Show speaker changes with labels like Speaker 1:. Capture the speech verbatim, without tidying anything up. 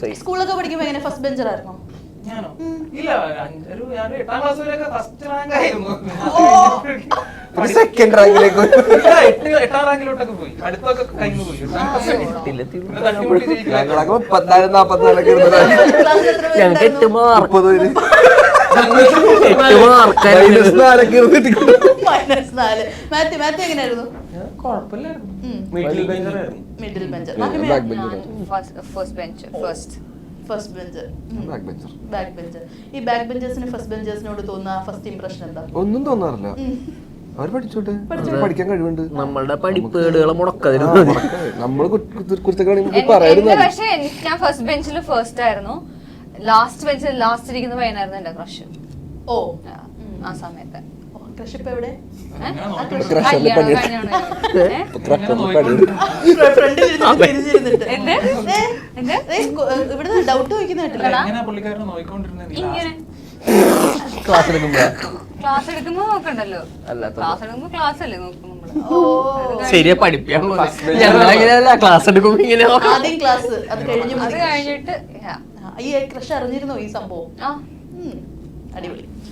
Speaker 1: സ്കൂളൊക്കെ പഠിക്കുമ്പോ എങ്ങനെ ഫസ്റ്റ് ബെഞ്ചർ ആയിരുന്നോ?
Speaker 2: ഞാനോ? ഇല്ല, ഒരു ഞാൻ എട്ടാം ക്ലാസ് വരെയൊക്കെ ഫസ്റ്റ് റാങ്ക് ആയിരുന്നു.
Speaker 3: സെക്കൻഡ് റാങ്കിലേക്ക്
Speaker 2: എട്ടാം റാങ്കിലോട്ടൊക്കെ പോയി, അടുത്തൊക്കെ കഴിഞ്ഞു പോയി.
Speaker 3: ഞങ്ങളൊക്കെ മുപ്പത്തിനാല് നാപ്പത്തിനാലൊക്കെ
Speaker 1: ഞങ്ങൾക്ക് എട്ട്
Speaker 3: മുപ്പത് പേര്
Speaker 1: മൈനസ് നാല്. മാത്യു മാത്യു എങ്ങനെയായിരുന്നു?
Speaker 2: Middle bencher.
Speaker 1: Middle bencher.
Speaker 4: First bench first
Speaker 1: first bench
Speaker 3: back bencher.
Speaker 1: Back bencher. ഈ ബാക്ക് ബെഞ്ചേഴ്സിന് ഫസ്റ്റ് ബെഞ്ചേഴ്സിനോട് തോന്നുന്ന ഫസ്റ്റ് ഇംപ്രഷൻ എന്താ?
Speaker 3: ഒന്നും തോന്നാറില്ല, അവർ പഠിച്ചോട്ടെ, പഠിക്കാൻ കഴിവുണ്ട്.
Speaker 5: നമ്മളുടെ പഠിപ്പേടുകളെ മുടക്കതിന്
Speaker 3: നമ്മള് കുറിച്ചൊക്കെ പറയായിരുന്നു.
Speaker 4: പക്ഷെ ഞാൻ ഫസ്റ്റ് ബെഞ്ചിൽ ഫസ്റ്റ് ആയിരുന്നു. ലാസ്റ്റ് ബെഞ്ചിൽ ലാസ്റ്റ് ഇരിക്കുന്ന പയ്യനായിരുന്നു എന്റെ ക്രഷ്.
Speaker 1: ഓ,
Speaker 4: ആ സമയത്ത്
Speaker 1: ക്രഷ് ഇപ്പൊ എവിടെ? ഇവിടുന്ന് ഡൗട്ട് ചോദിക്കുന്ന
Speaker 5: ക്ലാസ് എടുക്കുമ്പോ
Speaker 4: ക്ലാസ് എടുക്കുമ്പോ നോക്കണ്ടല്ലോ, ക്ലാസ് എടുക്കുമ്പോ ക്ലാസ് അല്ലേ നോക്കും നമ്മള്.
Speaker 5: ശരിയാ, പഠിപ്പിക്കാൻ ക്ലാസ് എടുക്കുമ്പോ ഇങ്ങനെ
Speaker 1: ആദ്യം ക്ലാസ്, അത് കഴിഞ്ഞു
Speaker 4: അത് കഴിഞ്ഞിട്ട്
Speaker 1: ഈ ക്രഷ് അറിഞ്ഞിരുന്നോ ഈ സംഭവം?
Speaker 4: ആ
Speaker 1: അടിപൊളി.